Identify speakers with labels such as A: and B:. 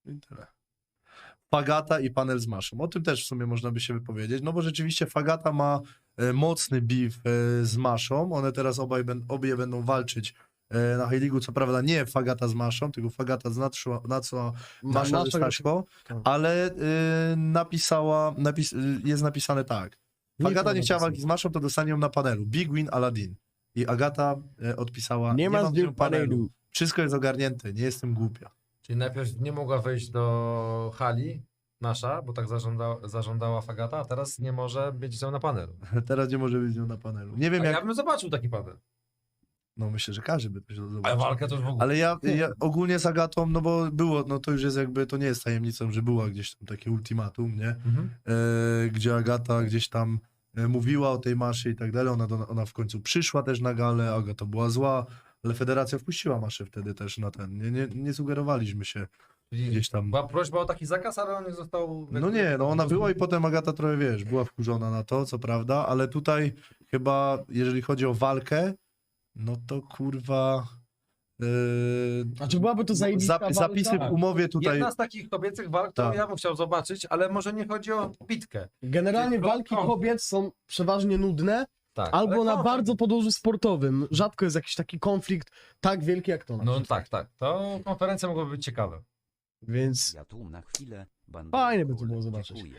A: I tyle. Fagata i panel z Maszą. O tym też w sumie można by się wypowiedzieć, no bo rzeczywiście Fagata ma mocny beef z Maszą. One teraz obie będą walczyć na High League'u. Co prawda nie Fagata z Maszą, tylko Fagata z Natsuo, Masza ze Staszko, ale jest napisane tak. Fagata nie chciała walki z Maszą, to dostanie ją na panelu. Big win Aladdin. I Agata odpisała,
B: Nie ma
A: mam
B: z nią panelu.
A: Wszystko jest ogarnięte, nie jestem głupia.
C: Czyli najpierw nie mogła wejść do hali nasza, bo tak zażądała Fagata, a teraz nie może być z nią na panelu.
A: Teraz nie może być z nią na panelu. Nie wiem
C: A
A: jak...
C: ja bym zobaczył taki panel.
A: No myślę, że każdy by to się
C: Ale
A: zobaczył.
C: walkę to już w ogóle.
A: Ale ja ogólnie z Agatą, no bo było, no to już jest jakby, to nie jest tajemnicą, że była gdzieś tam takie ultimatum, nie?
C: Mhm.
A: Gdzie Agata gdzieś tam mówiła o tej Maszy i tak dalej, ona w końcu przyszła też na galę, Agata była zła, ale federacja wpuściła Maszę wtedy też na ten, nie sugerowaliśmy się
C: Czyli
A: gdzieś tam.
C: była prośba o taki zakaz, ale on nie został...
A: No nie, no ona była i potem Agata trochę, wiesz, była wkurzona na to, co prawda, ale tutaj chyba, jeżeli chodzi o walkę, no to kurwa...
B: Znaczy byłaby to zajebista walka?
A: Zapisy w umowie tutaj...
C: Jedna z takich kobiecych walk, którą
A: Tak.
C: ja bym chciał zobaczyć, ale może nie chodzi o bitkę.
B: Generalnie
C: Tylko
B: walki
C: konflikt.
B: kobiet są przeważnie nudne,
C: Tak.
B: albo
C: ale
B: na
C: konflikt.
B: bardzo podłożu sportowym. Rzadko jest jakiś taki konflikt tak wielki jak to. na
C: No
B: przykład.
C: tak. To konferencja mogłaby być ciekawa.
B: Więc
D: Ja tu na chwilę.
B: Fajnie by to było zobaczyć.
D: Dziękuję.